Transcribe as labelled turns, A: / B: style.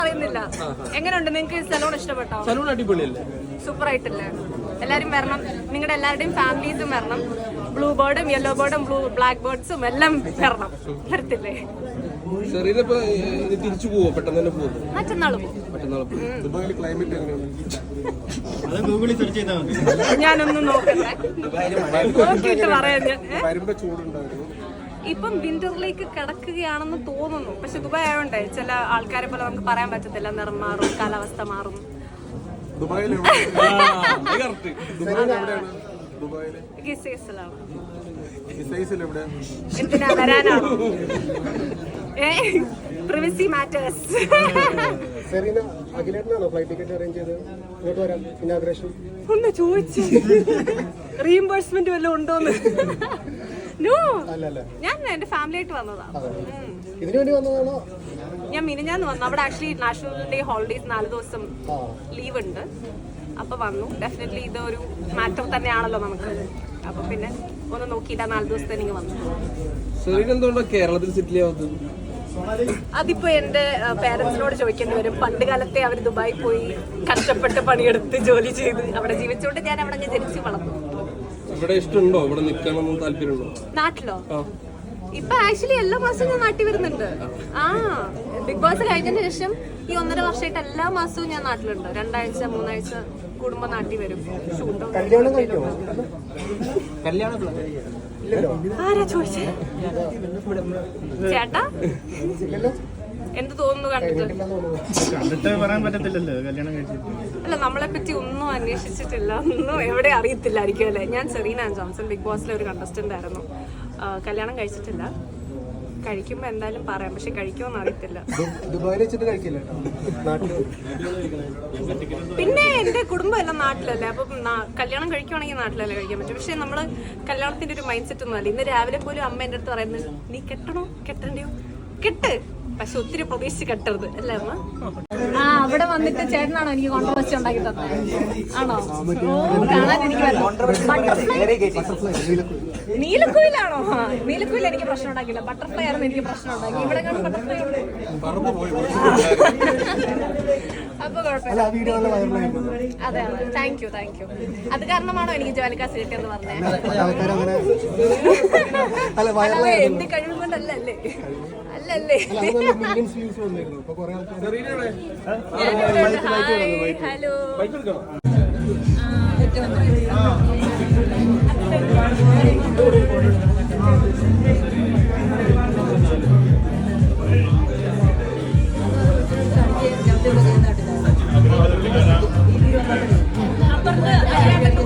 A: അറിയുന്നില്ല. എങ്ങനെയുണ്ട് നിങ്ങൾക്ക് സലൂൺ ഇഷ്ടപ്പെട്ടോ?
B: സലൂൺ അടിപൊളിയല്ലേ,
A: സൂപ്പർ ആയിട്ടില്ലേ? എല്ലാരും വരണം, നിങ്ങളുടെ എല്ലാവരുടെയും ഫാമിലീസും വരണം. ബ്ലൂ ബേർഡും യെല്ലോ ബേർഡും ബ്ലാക്ക് ബേർഡ്സും എല്ലാം വരണം. വരത്തില്ലേ?
B: തിരിച്ചു പോവോ? പെട്ടെന്ന് തന്നെ പോകും.
A: മറ്റന്നാൾ പോകും.
B: ദുബായിലെ ക്ലൈമറ്റ് എങ്ങനെയാണ്?
A: ഞാനൊന്നും നോക്കട്ടെ, നോക്കിയിട്ട് പറയാം ഞാൻ. ഇപ്പം വിന്ററിലേക്ക് കിടക്കുകയാണെന്ന് തോന്നുന്നു. പക്ഷെ ദുബായ് ആയതുകൊണ്ടേ ചില ആൾക്കാരെ പോലെ നമുക്ക് പറയാൻ പറ്റത്തില്ല. നിറം മാറും, കാലാവസ്ഥ മാറും. എന്തിനാ വരാനാണോ? Privacy matters. ഒന്ന് ചോദിച്ചു റീഇംബേഴ്സ്മെന്റ് വല്ലതും ഉണ്ടോന്ന്. നോ, ഞാൻ എന്റെ ഫാമിലി ആയിട്ട് വന്നതാ. ഞാൻ മിനിഞ്ഞാന്ന് വന്നു. അവിടെ ആക്ച്വലി നാഷണൽ ഡേ ഹോളിഡേസ് 4 ദിവസം ലീവ് ഉണ്ട്. അപ്പൊ വന്നു. ഡെഫിനറ്റ്ലി ഇതൊരു മാറ്റർ തന്നെയാണല്ലോ നമുക്ക്. അപ്പൊ പിന്നെ ഒന്ന് നോക്കിയില്ല, 4 ദിവസത്തേക്ക് വന്നു.
B: കേരളത്തിൽ സെറ്റിൽ ആവുന്നത്
A: അതിപ്പോ എന്റെ പേരൻസിനോട് ചോദിക്കേണ്ടി വരും. പണ്ട് കാലത്തെ അവർ ദുബായി പോയി കഷ്ടപ്പെട്ട് പണിയെടുത്ത് ജോലി ചെയ്ത് അവിടെ ജീവിച്ചുകൊണ്ട് ഞാൻ അവിടെ ജനിച്ച് വളർന്നു.
B: ഇവിടെ ഇഷ്ടമുണ്ടോ? ഇവിടെ നിൽക്കണം താല്പര്യമുണ്ടോ?
A: നാട്ടിലോ? ഇപ്പൊ ആക്ച്വലി എല്ലാ മാസവും ഞാൻ നാട്ടിൽ വരുന്നുണ്ട്. ബിഗ് ബോസ് കഴിഞ്ഞതിന് ശേഷം ഈ 1.5 വർഷമായിട്ട് എല്ലാ മാസവും ഞാൻ നാട്ടിലുണ്ട്. 2 ആഴ്ച 3 ആഴ്ച കൂടുമ്പോ നാട്ടിൽ വരും. ഷൂട്ടോ ആരാ ചോദിച്ചേ? ചേട്ടാ എന്ത് തോന്നുന്നു കണ്ടിട്ട്? അല്ല, നമ്മളെ പറ്റി ഒന്നും അന്വേഷിച്ചിട്ടില്ല, ഒന്നും എവിടെ അറിയത്തില്ലായിരിക്കും അല്ലേ. ഞാൻ സെറീന ജോൺസൺ, ബിഗ് ബോസിലെ ഒരു കണ്ടസ്റ്റന്റ് ആയിരുന്നു. കല്യാണം കഴിച്ചിട്ടില്ല. കഴിക്കുമ്പോ എന്തായാലും പറയാം, പക്ഷെ കഴിക്കുമെന്ന് അറിയത്തില്ല. പിന്നെ എന്റെ കുടുംബം എല്ലാം നാട്ടിലല്ലേ, അപ്പൊ കല്യാണം കഴിക്കുവാണെങ്കിൽ നാട്ടിലല്ലേ കഴിക്കാൻ പറ്റും. പക്ഷെ നമ്മള് കല്യാണത്തിന്റെ ഒരു മൈൻഡ് സെറ്റ് ഒന്നും അല്ല. ഇന്ന് രാവിലെ പോലും അമ്മ എന്റെ അടുത്ത് പറയുന്നത്, നീ കെട്ടണോ കെട്ടണ്ടയോ? കെട്ട്, പക്ഷെ ഒത്തിരി പ്രതീക്ഷിച്ച് കെട്ടരുത് അല്ലേ അമ്മ? അവിടെ വന്നിട്ട് ചേട്ടനാണോ എനിക്ക് കോൺട്രവേഴ്സി ഉണ്ടാക്കി തന്നെ? ആണോ? കാണാൻ എനിക്ക് നീലക്കുയിലാണോ? നീലക്കുയിൽ എനിക്ക് പ്രശ്നം ഉണ്ടാക്കില്ല. ബട്ടർഫ്ലൈ ആയിരുന്നു എനിക്ക് പ്രശ്നം ഉണ്ടാക്കി. ഇവിടെ കാണും ബട്ടർഫ്ലൈ ഉണ്ട്. അപ്പൊ കുഴപ്പമില്ല. അതെ അതെ, താങ്ക് യു. അത് കാരണമാണോ എനിക്ക് ജോലിക്കാസ് കിട്ടിയെന്ന് പറഞ്ഞത്? എന്റെ കഴിവ് കൊണ്ടല്ലേ? അല്ലല്ലേ. ഹലോ, അപ്പുറത്ത്